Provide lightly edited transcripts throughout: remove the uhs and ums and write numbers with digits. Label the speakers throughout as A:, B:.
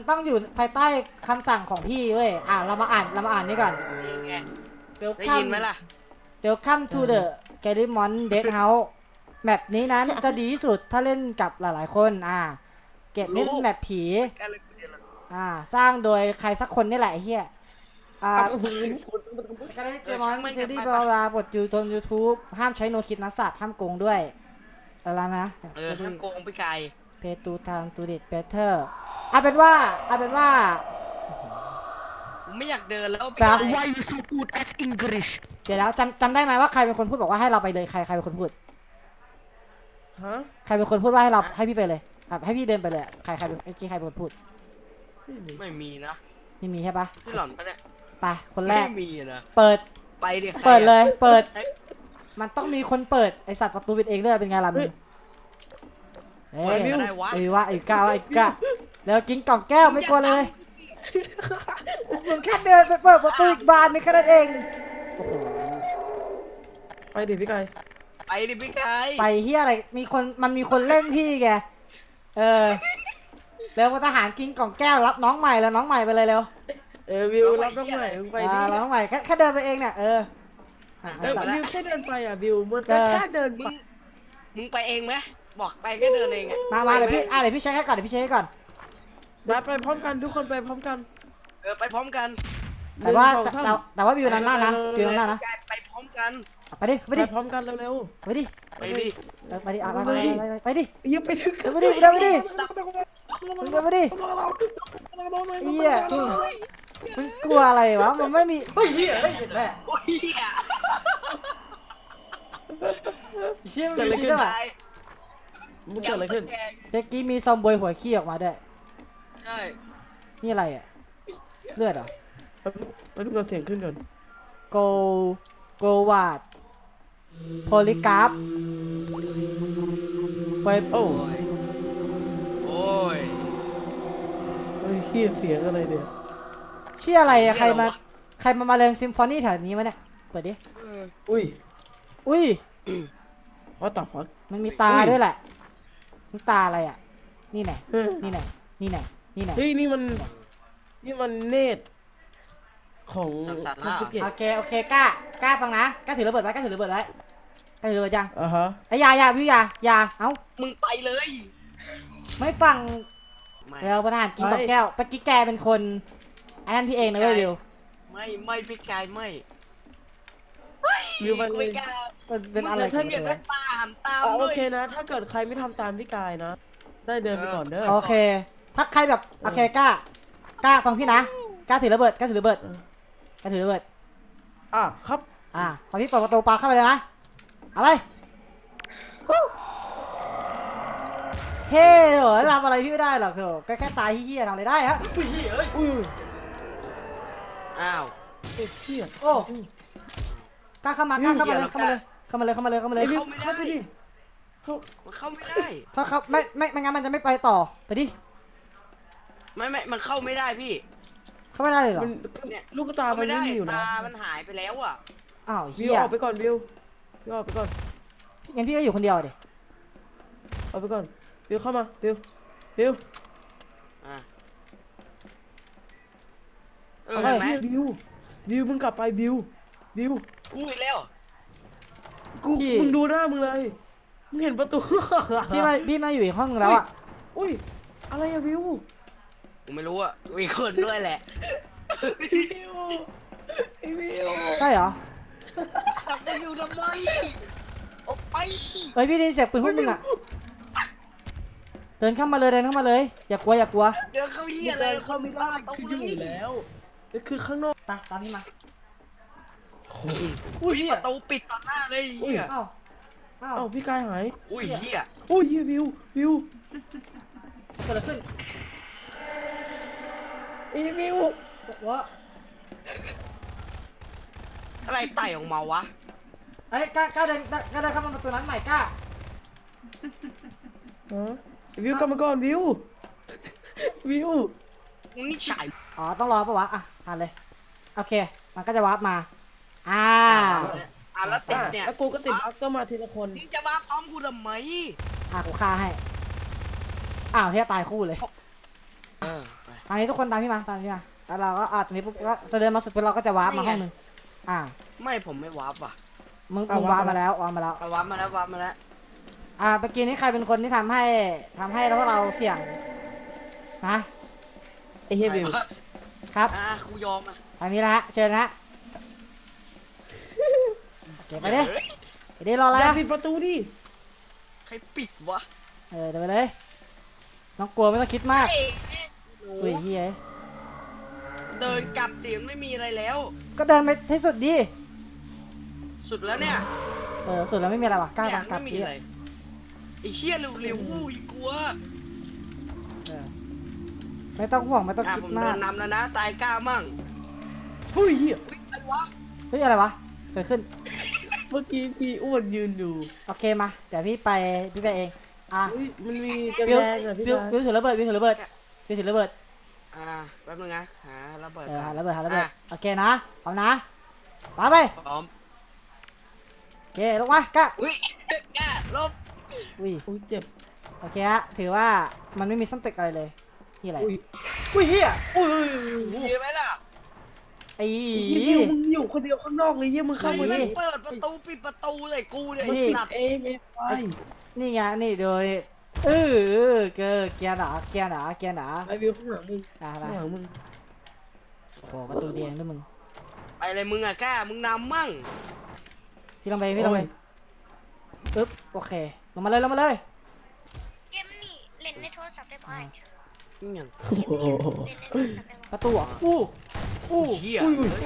A: ต้องอยู่ภายใต้คำสั่งของพี่เว้ยเรามาอ่านนี่ก่อน
B: นี่ไงได้
A: Welcome
B: ยินไหมล่ะ
A: Welcome to the Garimon Dead House แมปนี้นั้นจะดีที่สุดถ้าเล่นกับหลายๆคนเกมนี้เป็นแมปผีสร้างโดยใครสักคนนี่แหละไอ้เหี้ยการเล่นเกมมอนซีรีส์บลาบทอยู่บน YouTube ห้ามใช้โนคิดนักสัตว์ห้ามโกงด้วยอะไรนะ
B: ห้ามโกงพี่ไก่
A: เพตูทางตูดิตเบเทอร์เอาเป็นว่า
B: ผมไม่อยากเดินแล้ว
C: Why you so good at English
A: เดี๋ยวแล้วจำได้ไหมว่าใครเป็นคนพูดบอกว่าให้เราไปเลยใครเป็นคนพูด
C: ฮะ
A: ใครเป็นคนพูดว่าให้พี่ไปเลยให้พี่เดินไปเลยใครเป็นใครเป็นคนพูด
B: ไม่มีนะ
A: ไม่มีใช่ปะ
B: พี่หล่อนปะเนี่ย
A: ไปคนแรก
B: ไม่มีนะ
A: เปิด
B: ไปดิ
A: เปิดเลยเปิดมันต้องมีคนเปิดไอสัตว์ประตูปิดเองด้วยเป็นไงล่ะมึง
B: เปิดไม่ได้วะ
A: ไอ้ก้าแล้วกินกล่องแก้วไม่กลัวเลยมึงแค่เดินไปเปิดประตูอีกบานนึงแค่นั้นเองโอ้โห
C: ไปดิพี่ไก่
B: ไปดิพี่ไก่
A: ไปเฮียอะไรมันมีคนเล่นพี่แกแล้วทหารกินกล่องแก้วรับน้องใหม่แล้วน้องใหม่ไปเลยเร็ว
C: วิวรับน้องใหม่ไปดิ
A: น้องใหม่แค่เดินไปเองเนี่ย
C: วิวแค่เดินไปวิวมันแค่เดิน
B: มึงไปเองไหมบอกไปแค่เดินเอง
A: มาเดี๋ยวพี่ใช้แค่ก่อน
C: มาไปพร้อมกันทุกคนไปพร้อมกัน
B: ไปพร้อมกัน
A: แต่ว่าวิวนั้นนะวิวนั้นนะ
B: ไปพร้อมกัน
A: ไปดิ
C: ไปพร้อมกันเร็ว
A: ๆไปดิไปดิไปดิ
C: ยืมไปถึง
A: ไปดิเฮียมันกลัวอะไรวะมันไม่มีเฮียเห็นไหมเชี่ยมันจริงด้วย
C: มันเกิดอะไรขึ้น
A: เด็กกี้มีซอมบอยหัวขี้ออกมาด้วย
B: ใช่
A: นี่อะไรเลือดเหรอ
C: มาดูเสียงขึ้นก่อน
A: โกวาดโพลิกราฟไป
B: โอ้ย
C: เสียงอะไรเนี่ย
A: เชี่ยอะไรใครมาเล่นซิมโฟนีแถวนี้มาเนี่ยเปิดดิ
C: อุ้ยว่าต่อฟัก
A: มันมีตาด้วยแหละมันตาอะไรนี่ไหนเ
C: ฮ้ยนี่มันเนตของ
B: ซาสึเกะ
A: โอเคกล้าฟังนะกล้าถือระเบิดไว้กล้าถือระเบิดยังไอ้ยาวิวยาเอ้า
B: มึงไปเลย
A: ไม่ฟังเราประธานกินกล่องแก้วปกี้แกเป็นคนอันนั้นพี่เองนะเว้ยวิว
B: ไม่พี่กายไม่
C: วิวมัน
A: เป็นอะไร
B: ถ้าเกิดไม่ตาม
C: โอเคนะถ้าเกิดใครไม่ทำตามพี่กายนะได้เดินไปก่อนเด้อ
A: โอเคถ้าใครแบบโอเคกล้าฟังพี่นะกล้าถือระเบิด
C: ครับ
A: พอพี่เปิดประตูปาเข้าไปเลยนะเอาไปเฮ้ยทำอะไรพี่ไม่ได้หรอกแค่ตายเฮี้ยทำอะไรได้ฮะ
B: อ้าว
A: โอ้กล้าเข้ามาเลยเข้ามาเลย
B: เข้าไม่ได้
A: ถ้าเขาไม่งั้นมันจะไม่ไปต่อไปดิ
B: ไม่มันเข้าไม่ได้พี่
A: เข้าไม่ได้เลยเหรอ
B: เนี่ย
C: ลูกตามันไม่มีอยู่นะ
B: ตามันหายไปแล้ว
A: อ้าว
C: วิวออกไปก่อนวิวออกไปก่อน
A: งั้นพี่ก็อยู่คนเดียวดิ
C: เอาไปก่อนวิวเข้ามาวิว
B: เห็นไหม
C: วิวมึงกลับไปวิว
B: กูอีกแล้ว
C: มึงดูหน้ามึงเลยมึงเห็นประตู
A: พี่มาอยู่อีกห้องนึงแล้ว
C: อุ้ยอะไรวิว
B: กูไม่รู้มีคนด้วยแหละ
C: วิว
A: ใช่เหรอ
B: สับไปอยู่ทำไมออกไป
A: พี่ได้ยินเสียงปืนพวกมึงเดินเข้ามาเลยอย่ากลัว
B: เดินเข้าเหี้ยเลย
C: เข้าไม่ได้คืออยู่แล้วนี่คือข้างนอก
A: ตามพี่มา
B: อุ้ยประตูปิดต่อหน้าเลยเหี้ย
A: อ้าว
C: พี่กายหาย
B: อุ้ยเหี้ย
C: วิว
A: เกิดอะไรขึ้น
C: วิว
A: วะ
B: อะไรไต่ออกมาวะ
A: กล้าเดินเข้ามาประตูนั้นใหม่กล้า
C: วิวกลับมาก่อนวิว
B: นี่ฉาย
A: ต้องรอปะวะผ่านเลยโอเคมันก็จะวาร์ปมา
B: แล้วติดเนี่ย
C: แล้วกูก็ติดบั๊กต้องมาทีละคน
B: มึงจะวาร์ปพร้อมกูทำไม
A: กูฆ่าให้เฮียตายคู่เลยนนี้ทุกคนตามพี่มาแล้วเราก็ตรงนี้ปุ๊บก็จะเดินมาสุดปุ๊บเราก็จะวาร์ปมาห้องหนึง
B: ไม่ผมไม่วาร์ปว่ะ
A: มึงวาร์ปมาแล้ววาร์ปมาแล้ว
B: วาร์ปมาแล้ววาร์ปมาแล้ว
A: เมื่อกี้นี้ใครเป็นคนที่ทำให้พวกเราเสี่ยงนะ
C: ไอ้เฮียบิว
A: ครับ
B: กูยอมอ่ะ
A: ทางนี้นะฮะเชิญนะฮะเก็บไปดิไปดิรออะไร
C: อย่า
A: อะ
C: ปิดประตูดิ
B: ใครปิดวะ
A: เดินไปเลยน้องกลัวไม่ต้องคิดมาก
B: เอ้ยหนู
A: อุ้ยเฮีย
B: เดินกลับดิไม่มีอะไรแล้ว
A: ก็เดินไปที่สุดดิ
B: สุดแล้วเนี่ย
A: สุดแล้วไม่มีอะไรวะกล้า
B: เนี่ย
A: กลับ
B: ไม่มี
A: ดิ
B: อะไรไอ้เหี้ยเร็วๆอู้ยกลัว
A: ไม่ต้องห่วงไม่ต้องคิด
B: ผม
A: มา
B: เดิ
A: ก
B: นนำแล้วนะตายกล้ามั่ง
C: เฮ้ยเฮีย
B: อุ๊ยอะไรวะ
A: เฮ้ยอะไรวะเกิดขึ้น
C: เมื่อกี้พี่อ้วนยืนอยู่
A: โอเคมาเดี๋ยวพี่ไปเอง
C: เฮ้ยมันมีกระ
A: วิว
C: แดงอะพี่
A: วิว
C: ตา
A: วิวถือระเบิดวิวถือระเบิดวิวถือระเบิด
B: แป๊บนึงนะหาระเบิด
A: หา
B: ก่อน
A: ระเบิด
B: อ่ะ
A: โอเคนะพร้อมนะไป
B: พร้อม
A: โอเคลงมากล้า
B: อุ้ยกล้าลบ
A: อุ้ย
C: อุ้ยเจ็บ
A: โอเคฮะถือว่ามันไม่มีส้นตึกอะไรเลยนี่อะไร
C: อุ้ย
A: อุ้ยเฮีย
C: อุ้ย
B: ดีไหมล่ะ
A: ไอ้
C: บิวมึงอยู่คนเดียวข้างนอกเลยเฮียมึง
B: ใคร
C: เข้ามา
B: ไม่
C: ดิ
B: เปิดประตูปิดประตูเลยกูเนี่ย
C: มัน
B: ไอ้
C: ปิด
B: สัตว์
C: เองไอ้ไฟ
A: นี่ไงนี่โดยเกียร์หนาเกียร์หนา
C: ไอ้บิวข้างหลังมึง
A: ไป
C: ข้างหลังมึง
A: โอ้โหประตูแดงด้วยมึง
B: ไปเลยมึงอะกล้ามึงนำมั่ง
A: พี่ลงไปปึ๊บโอเคลงมาเลย
D: เกมนี่เล่นในโทรศัพท์ได้ป่ะ
B: นี่ยัง
C: โอ้โห
D: เล่นในโทรศัพท์ได้ป่ะ
A: ประตูอ่ะอู้
B: เหี้ย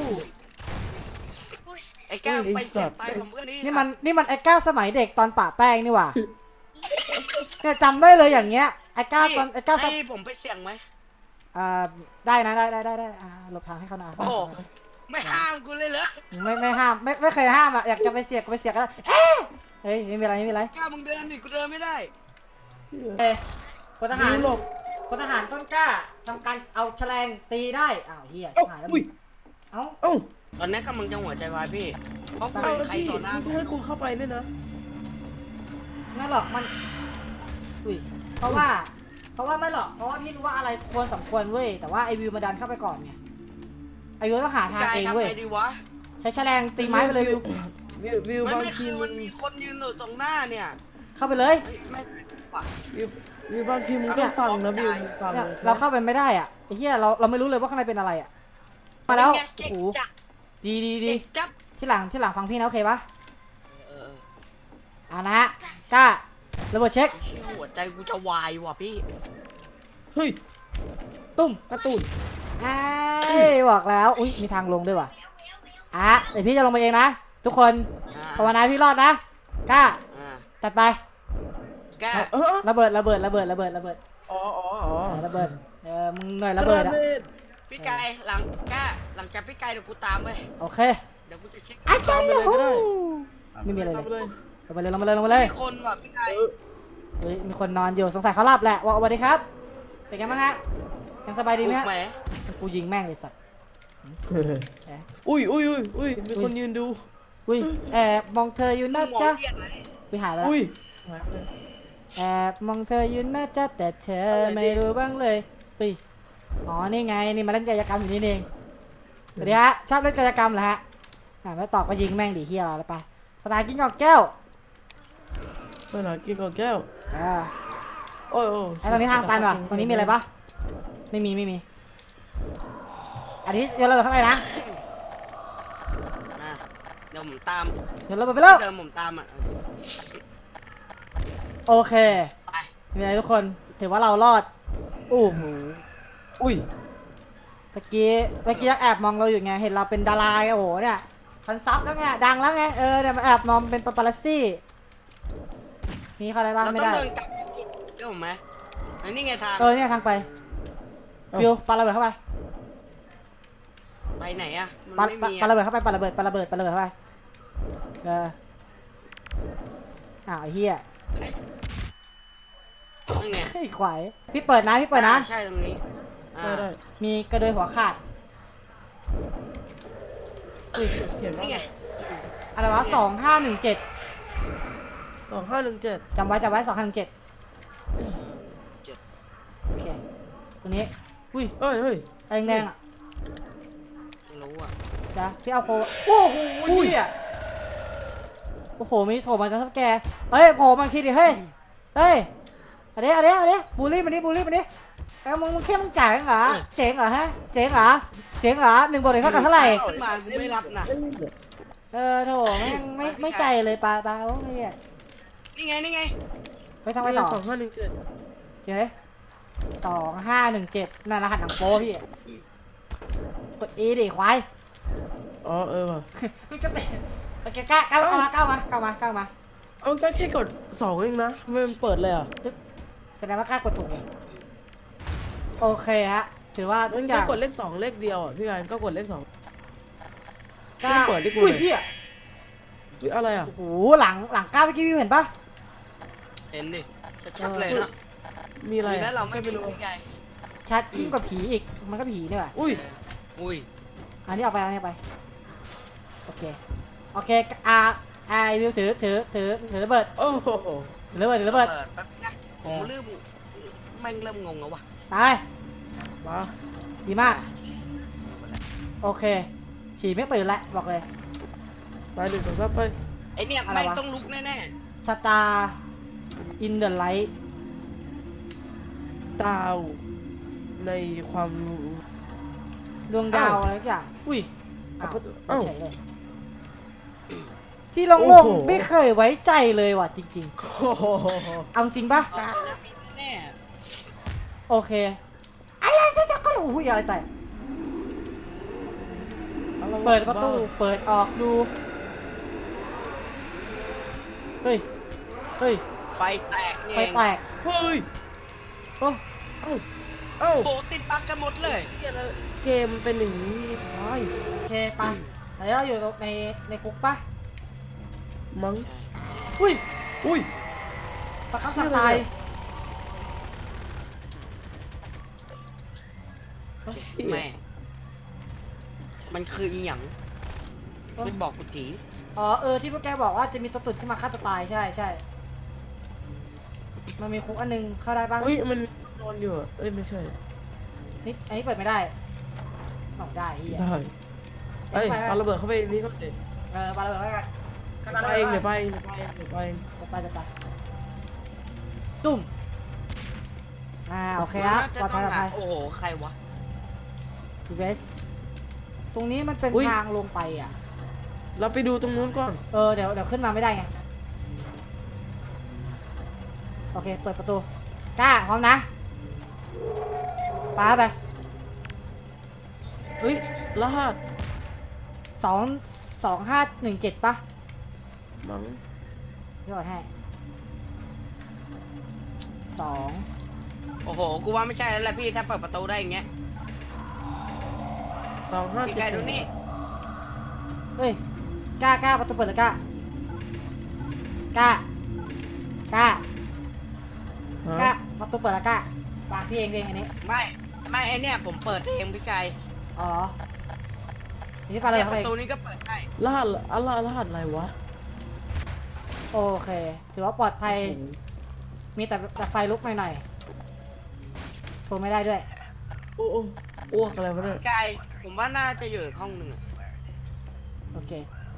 D: อุ้ย
B: ไอ้กล้าไปเสียบตายผมเพื่อนนี่
A: นี่มันไอ้ก้าสมัยเด็กตอนป่าแป้งนี่หว่าเนี่ยจำได้เลยอย่างเงี้ยไอ้ก้าตอนไอ้ก้า
B: ให้ผมไปเสี่ยงไหม
A: ได้นะได้หลบทางให้เขาหน่อย
B: โอ้ไม่ห้ามกูเลยเหรอ
A: ไม่ห้ามไม่เคยห้ามอ่ะอยากจะไปเสียกก็ไปเสียกก็ได้เฮ้ยไม่มีอะไร
B: กล้ามึงเดินดิกูเดินไม่ได้
A: พลทหาร
C: บิวหลบ
A: พลทหารต้นกล้าทำการเอาแฉลงตีได้อ้าวเฮีย
C: เอ้า
A: หายแล้ว
C: อุ้ย
A: เอ้า
C: เอ้า
B: ตอนนี้กำลังจะหัวใจวายพี่เพราะ
C: เอา
B: เป็น
C: แล้ว
B: ใคร
C: พี่
B: ต่อหน้า
C: มึงให้กูเข้าไปเนี่ยนะ
A: ไม่หรอกมันอุ้ยเพราะว่าไม่หรอกเพราะว่าพี่รู้ว่าอะไรควรสมควรเว้ยแต่ว่าไอวิวมาดันเข้าไปก่อนไงไอวิวต้องหาทาง
B: กาย
A: เอง
B: ทำ
A: เว้ย
B: ไงดีวะ
A: ใช้แฉลงตีไม้ไปเลยวิว
C: วิวบาง
B: ไม่
C: ที
B: คือมันมีคนยืนอยู่ตรงหน้าเนี่ย
A: เข้าไปเลย
B: ไม่ว่ะ
C: วิวบางทีมึงต้องฟังนะวิวฟัง
A: เนี่ย
C: นะ
A: เราเข้าไปไม่ได้อ่ะไอ้เหี้ยเราไม่รู้เลยว่าข้างในเป็นอะไรอ่ะมาแล้ว
B: เก่
A: โอ้
B: ง
A: โห
B: จัด
A: ดี
B: เก่งจัด
A: ที่หลังฟังพี่นะโอเคปะ
B: เออ
A: นะกล้าระเบิดเช็ค
B: หัวใจกูจะวายว่ะพี่
C: เฮ้ย
A: ตุ้ม
C: การ์ตูน
A: บอกแล้วอุ้ยมีทางลงด้วยว่ะเดี๋ยวพี่จะลงมาเองนะทุกคนภาวนาพี่รอดนะกล้า
B: อ่า
A: จัดไป
B: กล้า
A: ระเบิด
C: อ๋อ
A: ระเบิดมึงหน่อยระเบิดอ่ะ
B: พี่กายหลังจากพี่กายเดี๋ยวกูตามไป
A: โอเค
B: เดี๋ยวกูจะเช็ค
A: อาจารย์เลยไม่มีอะไรเลย ลงมาเลย
B: มีคนว่ะพี่กาย
A: เฮ้ยมีคนนอนอยู่สงสัยเขาหลับแหละว่าสวัสดีครับเป็นไงบ้างฮะยังสบายดีไหมฮะ
B: ไหม
A: กูยิงแม่งเลยสัตว์
C: อุ้ยมีคนยืนดู
A: อุ้ยแอบมองเธออยู่นะจ๊ะ
B: เรียกอะไร
A: วิหายไปแล้ว
C: อุ้ย
A: แอบมองเธออยู่นะจ๊ะแต่เธอไม่รู้บ้างเลยอุ้ยอ๋อนี่ไงนี่มาเล่นกายกรรมอยู่นี่เองสวัสดีฮะชอบเล่นกายกรรมเหรอฮะไม่ตอบก็ยิงแม่งดิเฮียเราเลยไปภาษากินกอกแก้ว
C: ไปหากินก่อนแก้ว โอ้ย
A: ไอตรงนี้ทางตันว่ะตรงนี้มีอะไรปะไม่มีอันนี้โยนระเบิดเข้าไปนะ
B: มาเดี๋ยวผมตาม
A: โยนระเบิดไปแล้ว
B: เดิมผมตามอ่ะ
A: โอเค
B: ไป
A: ไม่เป็นไรทุกคนถือว่าเรารอดอู้หู
C: อุ้ย
A: เมื่อกี้แอบมองเราอยู่ไงเห็นเราเป็นดาราไงโอ้โหเนี่ยพันซับแล้วไงดังแล้วไงเนี่ยมาแอบมองเป็นปาปารัสซี่มีเขาอะไรบ้าง
B: เรา
A: ไม่
B: ต้อง
A: ได้
B: เดินกลับเจ้าผมไหมอันนี้ไงทาง
A: เนี่ยทางไปวิวปาระเบิดเข้าไป
B: ไปไหนอ่ะ
A: ปา
B: มันไม่มี
A: ปาระเบิดเข้าไปปาระเบิดเข้าไปอ้าวไอ้เหี้ย
B: นั่นไง
A: ไอ้ขวายพี่เปิดนะ
B: ใช่ตรงนี้
C: ได้
A: มีกระโดยหัวขาด
C: เขียนว่า
B: นี่ไง
A: อะไรวะ2517
C: 2517
A: จำไว้2517โอเคตรงนี้อุ้ย
C: เฮ้ยเฮ้ย
A: อะไรแดงๆอ่ะ
B: ไม่รู้อ่ะ
A: เดี๋ยวพี่เอาโคโอ้โหอุ้ยโอ้โหมีโถมาจากทับแกเฮ้ยโผล่มาคิดดิเฮ้ยเฮ้ยเอาดิบูลลี่มันดิเอ้ามึงเข้มมึงจ่ายเหรอเจ๋งเหรอฮะเจ๋งเหรอ1 บวก 1เท่ากับเท่าไหร่
B: ขึ้นมากูไม่รับนะ
A: โถแม่งไม่ใจเลยปลาโอ้ย
B: นี่ไง
A: ไปทำไปต่อ
C: 2517
A: เจ๊2517นั่นรหัสหนังโป๊พี่กด E ดิควาย
C: อ๋อว่ะ
A: มึงจะเตะโอเคก้าวมา
C: เอาก็แค่กด2เองนะทำไมมันเปิดเลยอ่ะ
A: แสดงว่ากล้ากดถูกไงโอเคฮะถือว่าทุ
C: มั
A: ก
C: น
A: อ
C: ก็
A: ย่าง
C: กดเลข2เลขเดียวอ่ะพี่กายก็กดเลข2
A: กล้า
C: เปิดดิกู
A: อุ้ย
C: เลย
A: เหี้ย
C: หรืออะไรอ่ะ
A: โอ้โหหลังก้าวเมื่อกี้วิวเห็นปะ
B: เห็นดิชัดๆเลยนะ
C: มีอะไร
B: ดีนะเราไม่
C: ไม่
B: รู้
C: รู้
B: ไง
A: ชัดยิ่งกว่าผีอีกมันก็ผีนี่แหละ
C: อุ้ย
B: อุ้ย
A: อันนี้เอาไปโอเควิวถือระเบิด
C: โอ้โห
A: ถือระเบิด
B: เปิดแป๊บนะผมเริ่มแม่งเริ่มงงแล้ววะ
A: ไป
C: มา
A: ดีมากโอเคฉี่ไม่ตื่นแล้วบอกเลย
C: ไป1 2 3ไป
B: ไอเนี่ย
A: อะไรวะ
B: แม่งต้องลุกแน่
A: สตาร์อินเดอะไลท์
C: ดาวในความ
A: ดวงดาวอะไรสักอย่างอุ้ยอ้าว
C: เอ้า
A: เฉยเลยที่โล
C: โอ้
A: ง
C: โห
A: ๆไม่เคยไว้ใจเลยว่ะจริง
C: โอ้โห
A: ๆเอาจริงปะ
B: ๆตายนะมีแน่
A: โอเคอะไรจะก็รู้อุ้ยอะไรแต่เปิดประตูเปิดออกดูเฮ้ย
B: ไฟแตกเนี่ย
A: ไฟแตก
C: เฮ้ย
A: โอ้
C: เอ้าเอ้า
B: โอ้ติดบั๊กกันหมดเลย
C: เกมเป็นอย่างนี้ไป
A: โอเคไปไหนเราอยู่ในคุกปะ
C: มั้ง
A: อุ้ย
C: อุ้ย
A: ประคับสังตาย
B: แม่มันคืออีหยังไม่บอกกูจี
A: อ๋อที่พวกแกบอกว่าจะมีตัวตุ่นขึ้นมาฆ่าตัวตายใช่มันมีคุกอันนึงเข้าได้ปะ
C: อุ้ยมันนอนอยู่อะเอ้ยไม่ใช่
A: นี่อันนี้เปิดไม่ได้ออกได้เฮีย
C: ได้เอ้ยปาระเบิดเข้าไปนี่ก็เด็ด
A: ปาระเบิดไว้กัน
C: ไปเองเดี๋ยวไป
A: จะไปตุ้มโอเคครับ
B: จะ
A: ปลอด
B: ต้
A: ภั
B: อย ง
A: ปลอดภัย
B: หาโอ้โหใครวะ
A: เวสตรงนี้มันเป็นทางลงไปอ่ะ
C: เราไปดูตรงนู้นก่อน
A: เดี๋ยวขึ้นมาไม่ได้ไงโอเคเปิดประตูกล้าพร้อมนะปาไป
C: เฮ้ยรหัส
A: 2517ปะ
C: มั้ง
A: พี่กดให้2
B: โอ้โหกูว่าไม่ใช่แล้วแหละพี่ถ้าเปิดประตูได้อย่างเงี้ย พี่ไก่ดูนี่
A: เฮ้ยกล้าประตูเปิดเลยกล้ประตูเปิดแล้วกล้าปากพี่เองอันนี้
B: ไม่ไอเนี่ยผมเปิดเองพี่ไก่
A: อ๋อนี่ปาเลย
B: เนี่ย
A: เข้า
B: ป
A: ไป
B: ระตูนี้ก็เปิดได้
C: รหัสอะไรวะ
A: โอเคถือว่าปลอดภัยมีแต่ไฟลุกหน่อยๆโทรไม่ได้ด้วย
C: โอ้อ้วกอะไรวะเนี่ย
B: พี่ไก่ผมว่าน่าจะอยู่อีกห้องหนึ่งอะ
A: โอเค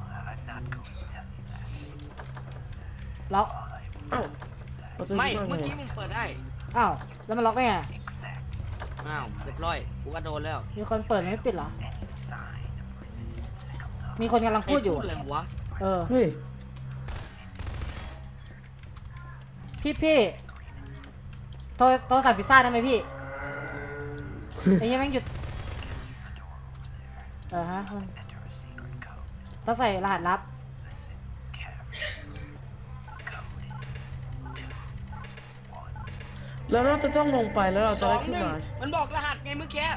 A: ล็อก
C: เอ้าประตู
B: ไม่
C: ที่
B: เมื่อ
C: ไง
B: กี้ผมเปิดได้
A: อ้าวแล้วมันล็อกได้ไง
B: อ้าวเรียบร้อยกูก็โดนแล้ว
A: มีคนเปิดไม่ปิดเหรอมีคนกำลังพูดอยู่
B: อะไรวะ
C: เฮ้ย
A: พี่โทรสั่งพิซซ่าได้ไหมพี่ไอ้เหี้ยแม่งหยุดฮะมันต้องใส่รหัสลับ
C: แล้วเราจะต้องลงไปแล้วเรา
B: ส
C: จะ
B: อ
C: ได้
B: ง
C: ขึ้น
B: หนึ่ง
C: มา
B: มันบอกรหัสไงเมื่อกี้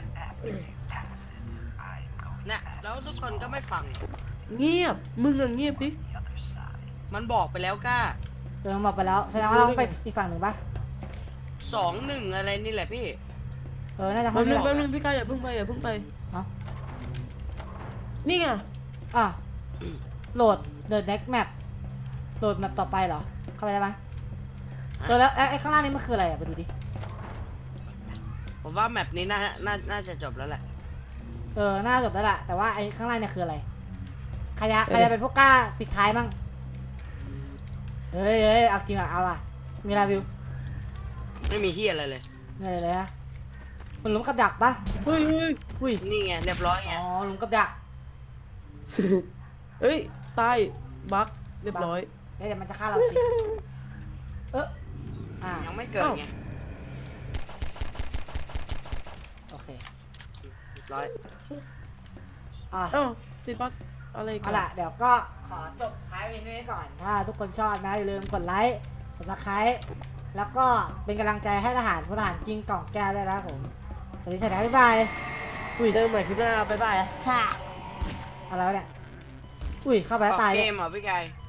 B: น่ะแล้วทุกคนก็ไม่ฟัง
C: เงียบมึงอะเงียบดิ
B: มันบอกไปแล้วก้า
A: หมดไปแล้วแสดงว่าเราต้องไปอีกฝั่งหนึ่งปะ
B: 2-1อะไรนี่แหละพี่
A: น่าจะ
C: แป๊
A: เข้า
C: บนึง
A: ไม่
C: แป๊
A: อบ อก
C: นึงพี่กายอย่าเพิ่งไปอย่าเพิ่งไป
A: เอ้า
C: นี่ไง
A: โหลด The Next Map โหลดแมปต่อไปเหรอเข้าไปได้ไหมแล้วไอ้ข้างล่างนี้มันคืออะไรอ่ะไปดูดิ
B: ผมว่าแมปนี้น่าจะจบแล้วแหละ
A: น่าจบแล้วล่ะแต่ว่าไอ้ข้างล่างเนี่ยคืออะไรใครจะเป็นพวกกล้าปิดท้ายมั่งเฮ้ยเอาจริงอ่ะเอาอ่ะมีอะไรวิว
B: ไม่มีที่อะไรเลย
A: เหนื่อยเลยฮะมันหลุมกับดักปะ
C: เฮ้ย
A: อุ้ย
B: นี่ไงเรียบร้อยไง
A: อ๋อหลุมกับดัก
C: เฮ้ยตายบั๊กเรียบร้อย
A: เดี๋ยวมันจะฆ่าเราจริงอ่า
B: ยังไม่เกิดไง
A: โอเค
B: เรียบร้อย
A: อ่ะ
C: เอ้าติดบั๊กอะไรกั
A: เอา
C: น
A: ล่ะเดี๋ยวก็ขอจบท้ายเพลงนี้ก่อนถ้าทุกคนชอบนะอย่าลืมกดไลค์subscribe แล้วก็เป็นกำลังใจให้ทหารพลทหารกิงกล่องแก้วด้วยนะครับผมสวัสดีครับบ๊ายบาย
C: อุ้ยเดินใหม่คลิปหน้าบ๊ายบาย
A: อะไรวะเนี่ยอุ้ยเข้าไปแล้วตาย
B: เก
A: เลย
B: มเหรอพี่ไก่